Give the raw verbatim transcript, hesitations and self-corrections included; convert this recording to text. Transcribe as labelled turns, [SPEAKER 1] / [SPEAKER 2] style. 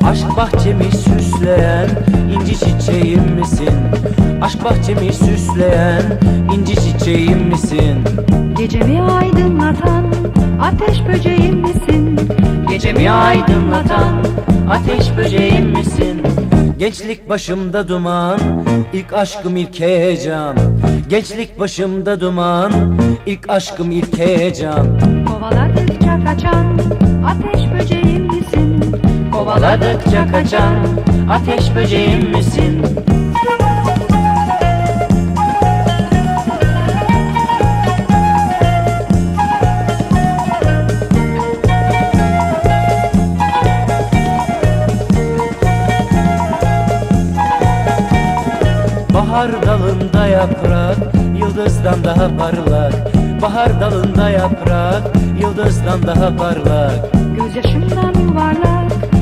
[SPEAKER 1] Aşk bahçemi süsleyen inci çiçeğim misin? Aşk bahçemi süsleyen inci çiçeğim misin?
[SPEAKER 2] Gecemi aydınlatan ateş böceğim misin?
[SPEAKER 1] Gecemi aydınlatan ateş böceğim misin? Gençlik başımda duman, ilk aşkım ilk heyecan. Gençlik başımda duman, ilk aşkım ilk heyecan.
[SPEAKER 2] Kovaladıkça kaçan ateş böceğim misin?
[SPEAKER 1] Kovaladıkça kaçan ateş böceğim misin? Bahar dalında yaprak, yıldızdan daha parlak. Bahar dalında yaprak, yıldızdan daha parlak.
[SPEAKER 2] Gözyaşımdan yuvarlak